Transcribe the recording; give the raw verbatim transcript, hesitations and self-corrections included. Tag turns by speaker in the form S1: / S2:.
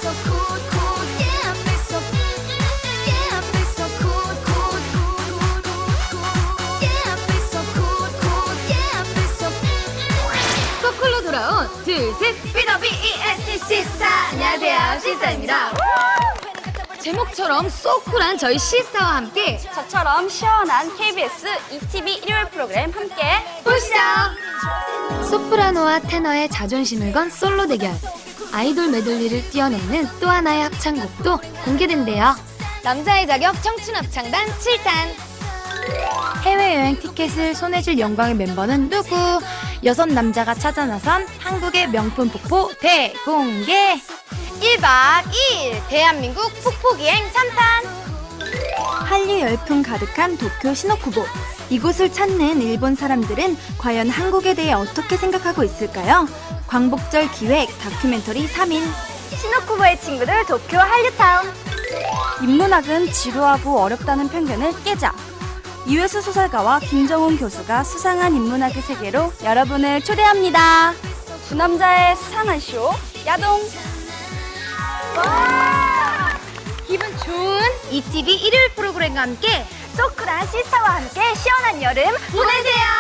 S1: so cool, cool. Yeah, I feel so, yeah, I feel so cool, cool, cool, cool. Yeah, I feel so cool, cool. Yeah, I feel so.
S2: 소쿨로 돌아온 둘셋
S1: 비더 비이에스티 시스타. 안녕하세요, 시스타입니다.
S2: 제목처럼 소쿨한 저희 시스타와 함께
S3: 저처럼 시원한 케이비에스 이티비 일요일 프로그램 함께
S2: 보시죠. 소프라노와 테너의 자존심을 건 솔로 대결. 아이돌 메들리를 뛰어내는 또 하나의 합창곡도 공개된대요. 남자의 자격 청춘 합창단 칠 탄.
S4: 해외여행 티켓을 손에 쥘 영광의 멤버는 누구? 여섯 남자가 찾아 나선 한국의 명품 폭포 대공개.
S2: 일박 이일 대한민국 폭포기행 삼 탄.
S4: 한류 열풍 가득한 도쿄 시노쿠보. 이곳을 찾는 일본 사람들은 과연 한국에 대해 어떻게 생각하고 있을까요? 광복절 기획 다큐멘터리 삼 일.
S3: 시노쿠보의 친구들 도쿄 한류타운.
S4: 인문학은 지루하고 어렵다는 편견을 깨자. 이회수 소설가와 김정훈 교수가 수상한 인문학의 세계로 여러분을 초대합니다.
S3: 두 남자의 수상한 쇼 야동.
S2: 기분 좋은 이티비 일요일 프로그램과 함께
S3: 소쿨한 시스타와 함께 시원한 여름 보내세요.